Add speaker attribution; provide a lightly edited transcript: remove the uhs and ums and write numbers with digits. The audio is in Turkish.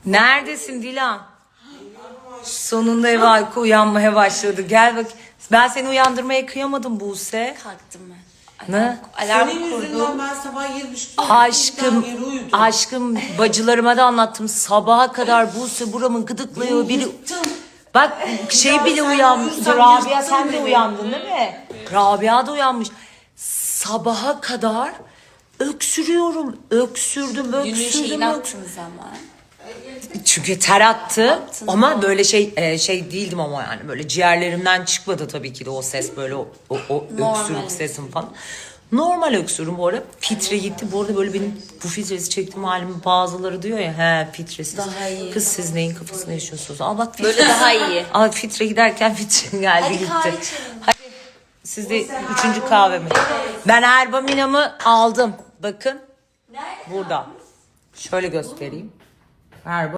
Speaker 1: Neredesin Dilan? Sonunda eve uyku uyanmaya başladı. Gel bak. Ben seni uyandırmaya kıyamadım Buse.
Speaker 2: Kalktım ben.
Speaker 1: Ne?
Speaker 2: Alarm
Speaker 3: Senin
Speaker 2: kurdum.
Speaker 3: yüzünden ben sabah 7.30'da
Speaker 1: Aşkım bacılarıma da anlattım. Sabaha kadar Buse buramı gıdıklıyor. Biri... Bak şey bile
Speaker 3: sen
Speaker 1: uyanmış.
Speaker 3: uyursan
Speaker 1: Rabia
Speaker 3: yırttın
Speaker 1: sen de
Speaker 3: beni.
Speaker 1: uyandın değil mi? Rabia da uyanmış. Sabaha kadar öksürüyorum. Öksürdüm.
Speaker 2: Günün şeyini attınız ama.
Speaker 1: Çünkü ter attı
Speaker 2: Attın
Speaker 1: ama
Speaker 2: mı?
Speaker 1: böyle şey değildim ama yani böyle ciğerlerimden çıkmadı tabii ki de o ses böyle o
Speaker 2: Normal.
Speaker 1: öksürük sesim falan. Normal öksürüm bu arada. Fitre gitti. Bu arada böyle benim bu filtresi çektiğim halimi bazıları diyor ya he filtresiz.
Speaker 2: Daha iyi.
Speaker 1: Kız siz neyin kafasında yaşıyorsunuz? Aa bak
Speaker 2: Böyle daha iyi.
Speaker 1: Aa fitre giderken fitre geldi
Speaker 2: Hadi
Speaker 1: gitti.
Speaker 2: kahve içelim.
Speaker 1: Hadi siz de üçüncü kahvemi. Ben Erbamina'mı aldım. Bakın
Speaker 2: Nerede?
Speaker 1: burada. Şöyle göstereyim. Erba